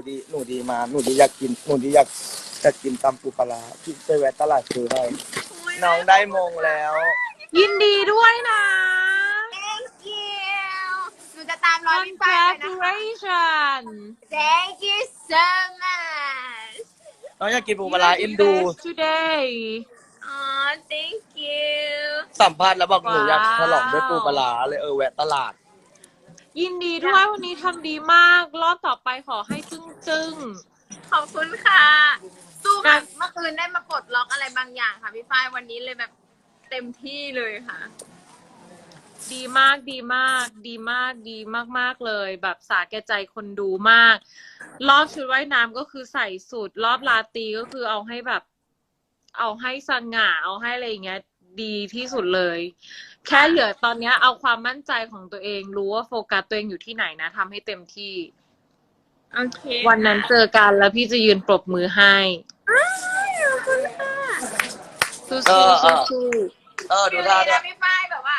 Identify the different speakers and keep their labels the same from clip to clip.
Speaker 1: หนูดีมาหนูดีอยากกินตำปูปลาร้าพี่ไปแวะตลาดซื้อให้น้องได้มงแล้ว
Speaker 2: ยินดีด้วยนะ
Speaker 3: Thank you หนูจะตามรอยพี่ฝ้ายไปนะคะ
Speaker 2: Congratulations
Speaker 3: Thank you so much
Speaker 1: น้องอยากกินปูปลาร้าอินดู
Speaker 2: today
Speaker 3: อ๋อ thank you
Speaker 1: สัมภาษณ์แล้วบอกหนูอยาก
Speaker 2: ว้าว
Speaker 1: ฉลองด้วยปูปลาร้าเลยแวะตลาด
Speaker 2: ยินดีด้วยวันนี้ทำดีมาก รอบต่อไปขอให้จึ้ง
Speaker 3: ขอบคุณค่ะ สู้กับเมื่อคืนได้มาปลดล็อกอะไรบางอย่างค่ะพี่ฝ้ายวันนี้เลยแบบเต็มที่เลยค่ะ
Speaker 2: ดีมากดีมากดีมากดีมากๆเลย แบบสาแก่ใจคนดูมาก รอบชุดว่ายน้ำก็คือใส่สุด รอบลาตรีก็คือเอาให้แบบ เอาให้สง่าเอาให้อะไรอย่างเงี้ย ดีที่สุดเลย แค่เหลือตอนเนี้ยเอาความมั่นใจของตัวเองรู้ว่าโฟกัสตัวเองอยู่ที่ไหนนะทำให้เต็มที่
Speaker 3: โอเค
Speaker 2: วันนั้นเจอกันแล้วพี่จะยืนปรบมือให้
Speaker 3: ขอบคุณค่ะ
Speaker 2: สู้
Speaker 1: เออ
Speaker 2: ๆสู้
Speaker 1: ดูท่า
Speaker 3: เดี๋
Speaker 1: เนี่ย
Speaker 3: วย พี่ฝ้ายแบบว่า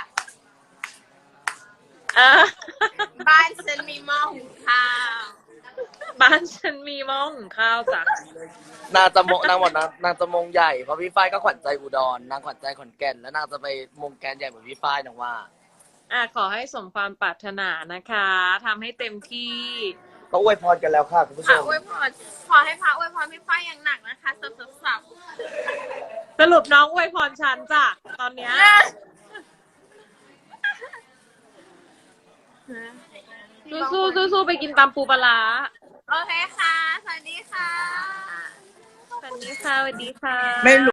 Speaker 2: ๆอ่ะ
Speaker 3: บ้านฉันมีหม้อหุงข้าว
Speaker 2: บ้านฉันมีหม้อหุงข้าวจ้ะ
Speaker 1: นางจะมงนางหมดนางจะมงใหญ่เพราะพี่ฝ้ายก็ขวัญใจอุดรนางขวัญใจขอนแก่นแล้วนางจะไปมงแกนใหญ่เหมือนพี่ฝ้ายนางว่า
Speaker 2: ขอให้สมความปรารถนานะคะทำให้เต็มที่
Speaker 1: ก็อวยพรกันแล้วค่ะคุณผู้ช
Speaker 3: พระ
Speaker 1: ม
Speaker 3: อวยพรขอให้พระอวยพรพี่ฝ้ายอย่างหนักนะคะสับ
Speaker 2: สรุปน้องอวยพรฉันจ้ะตอนเนี้ยสู้ๆไปกินตำปูปลาร้า
Speaker 3: โอเคค่ะ สวัสดีค่ะ
Speaker 2: สวัสดีค่ะสวัสดีค่ะ
Speaker 1: ไม่รู้